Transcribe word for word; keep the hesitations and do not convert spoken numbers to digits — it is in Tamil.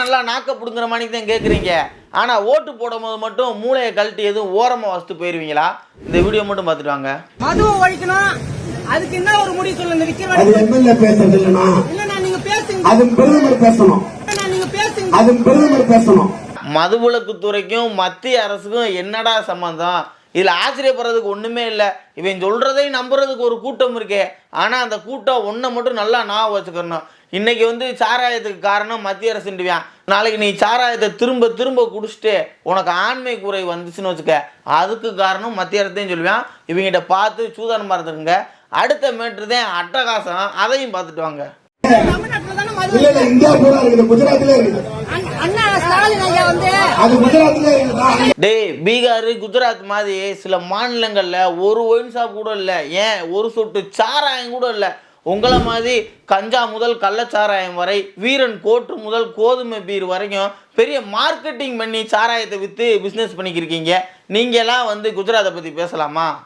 நல்லா நாக்க பிடுங்குற மாதிரி தான் கேட்குறீங்க. ஆனால் ஓட்டு போடும்போது மட்டும் மூளையை கழட்டி எதுவும் ஓரமாக வச்சுட்டு போயிடுவீங்களா? இந்த வீடியோ மட்டும் பார்த்துட்டு வாங்க. மதுவை ஒழிக்கணும், அதுக்கு என்ன ஒரு முடிவு சொல்லுங்க. விக்கிற அது எம்எல்ஏ பேசுறது இல்லைன்னா இல்லைண்ணா, நீங்க பேசுங்க. அது பிரதமர் பேசணும். நீங்க பேசுங்க. அது பிரதமர் பேசணும். மதுவிலக்குத்துறைக்கும் மத்திய அரசுக்கும் என்னடா சம்பந்தம்? இதில் ஆச்சரியப்படுறதுக்கு ஒன்றுமே இல்லை. இவன் சொல்கிறதையும் நம்புறதுக்கு ஒரு கூட்டம் இருக்கே. ஆனால் அந்த கூட்டம் ஒன்றை மட்டும் நல்லா ஞாபகம் வச்சுக்கணும். இன்றைக்கி வந்து சாராயத்துக்கு காரணம் மத்திய அரசுண்டுவியான். நாளைக்கு நீ சாராயத்தை திரும்ப திரும்ப குடிச்சிட்டு உனக்கு ஆண்மை குறை வந்துச்சுன்னு வச்சுக்க, அதுக்கு காரணம் மத்திய அரசையும் சொல்லுவான். இவங்கிட்ட பார்த்து சூதானமாக இருந்துருங்க. அடுத்த மேட்ரு தான் அட்டகாசம், அதையும் பார்த்துட்டு வாங்க. டேய், பீகார் குஜராத் மாதிரி சில மாநிலங்கள்ல ஒரு ஒயின் ஷாப் கூட இல்லை, ஏன் ஒரு சொட்டு சாராயம் கூட இல்லை. உங்களை மாதிரி கஞ்சா முதல் கள்ளச்சாராயம் வரை, வீரன் கோட்டு முதல் கோதுமை பீர் வரைக்கும் பெரிய மார்க்கெட்டிங் பண்ணி சாராயத்தை விற்று பிஸ்னஸ் பண்ணிக்கிருக்கீங்க. நீங்களாம் வந்து குஜராத்தை பற்றி பேசலாமா?